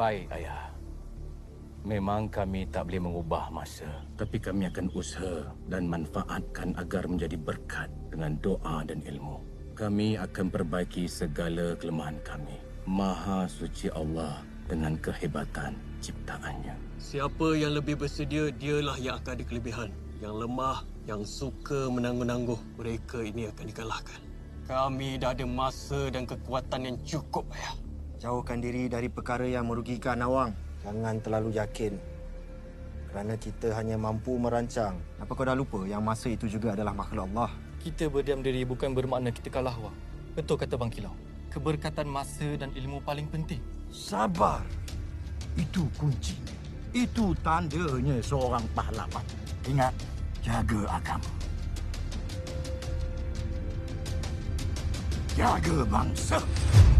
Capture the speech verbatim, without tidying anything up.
Baik, Ayah. Memang kami tak boleh mengubah masa. Tapi kami akan usaha dan manfaatkan agar menjadi berkat dengan doa dan ilmu. Kami akan perbaiki segala kelemahan kami. Maha suci Allah dengan kehebatan ciptaannya. Siapa yang lebih bersedia, dialah yang akan ada kelebihan. Yang lemah, yang suka menangguh-nangguh, mereka ini akan dikalahkan. Kami dah ada masa dan kekuatan yang cukup, Ayah. Jauhkan diri dari perkara yang merugikan Nawang. Jangan terlalu yakin. Kerana kita hanya mampu merancang. Apa kau dah lupa yang masa itu juga adalah makhluk Allah? Kita berdiam diri bukan bermakna kita kalah, Wang. Betul kata Bang Kilau. Keberkatan masa dan ilmu paling penting. Sabar. Itu kunci. Itu tandanya seorang pahlawan. Ingat, jaga agama. Jaga bangsa.